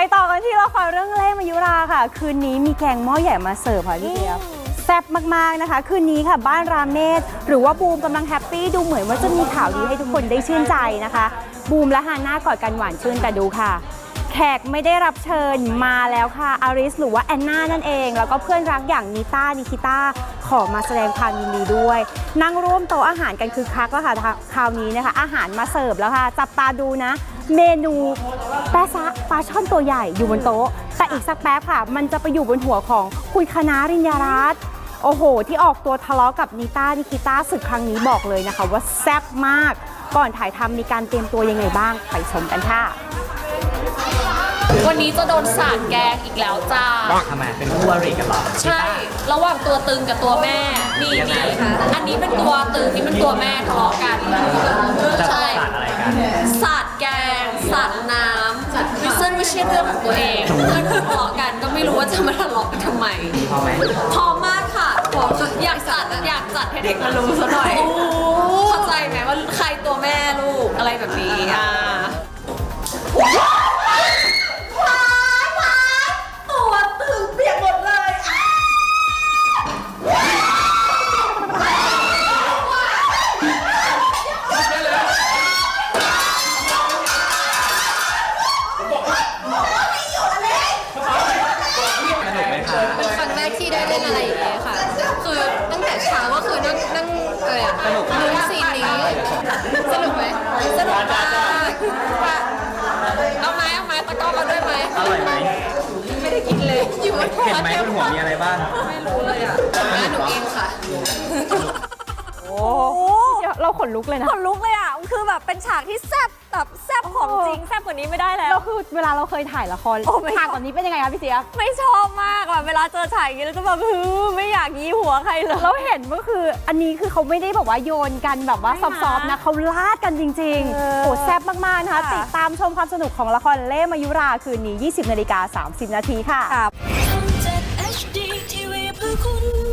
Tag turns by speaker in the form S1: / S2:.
S1: ต่อกันที่ละครเรื่องเล่ห์มายุราค่ะคืนนี้มีแกงหม้อใหญ่มาเสิร์ฟค่ะพี่เจี๊ยบแซ่บมากๆนะคะคืนนี้ค่ะบ้านรามเนตรหรือว่าบูมกำลังแฮปปี้ดูเหมือนว่าจะมีข่าวดีให้ทุกคนได้ชื่นใจนะคะบูมและฮาน่ากอดกันหวานชื่นแต่ดูค่ะแขกไม่ได้รับเชิญมาแล้วค่ะอาริสหรือว่าแอนนานั่นเองแล้วก็เพื่อนรักอย่างนิต้านิคิต้าขอมาแสดงความยินดีด้วยนั่งร่วมโต๊ะอาหารกันคือคักแล้วค่ะคราวนี้นะคะอาหารมาเสิร์ฟแล้วค่ะจับตาดูนะเมนูแปะซะปลาช่อนตัวใหญ่อยู่บนโต๊ะแต่อีกสักแป๊บค่ะมันจะไปอยู่บนหัวของคุณคณะริญญารัตน์โอ้โหที่ออกตัวทะเลาะกับนิต้านิคิต้าศึกครั้งนี้บอกเลยนะคะว่าแซ่บมากก่อนถ่ายทำมีการเตรียมตัวยังไงบ้างไปชมกันค่ะ
S2: วันนี้จะโดนสาดแกงอีกแล้วจ้า
S3: ทำไมเป็นคู่อริกันเหรอ
S2: ใช่ระหว่างตัวตึงกับตัวแม่นี่อันนี้เป็นตัวตึงนี่เป็นตัวแม่ทะเลาะกันใช่
S3: สาดอะไรกัน
S2: สาดแกงสาดน้ำซึ่งไม่ใช่เรื่องของตัวเองเพื่อนทะเลาะกันก็ไม่รู้ว่าจะมาทะเลาะกันทำไม
S3: พอไหม
S2: พอมากค่ะอยากจัดให้เด็กมารู้ซะหน่อยเข้าใจไหมว่าใครตัวแม่ลูกอะไรแบบนี้ตัวตึงเปียกหมดเลย
S4: เป็นครั้งแรกที่ได้เล่นอะไรอย่างเงี้ยค่ะคือตั้งแต่เช้าก็คือนั่งอะไรอะลุ้นซีนนี้สนุกไหมสนุกมาก
S2: เอาไหมตะก้อมาด้วยไหม
S3: อร่อยไหม
S4: ไม่ได้กินเลยอยู่บนหัว
S3: เห็นไหมบนหัวมีอะไรบ้าง
S4: ไม่รู้เลยอ่ะหนูเองค่ะ
S1: โอ้เราขนลุกเลยนะ
S5: ขนลุกเลยอ่ะคือแบบเป็นฉากที่แซ่บแบบแซ่บของจริงแซ่บกว่านี้ไม่ได้แล้ว
S1: เราคือเวลาเราเคยถ่ายละครฉากแบบนี้เป็นยังไงคะพี่เจี๊ยบ
S5: ไม่ชอบมากแบบเวลาเจอฉากอย่างนี้แล้วจะแบบไม่อยากยี้หัวใครเลย
S1: เราเห็นก็คืออันนี้คือเขาไม่ได้แบบว่าโยนกันแบบว่าซอฟๆนะเขาลาดกันจริงๆโอ้แซ่บมากๆนะคะติดตามชมความสนุกของละครเล่ห์มายุราคืนนี้ 20:30 น.ค่ะ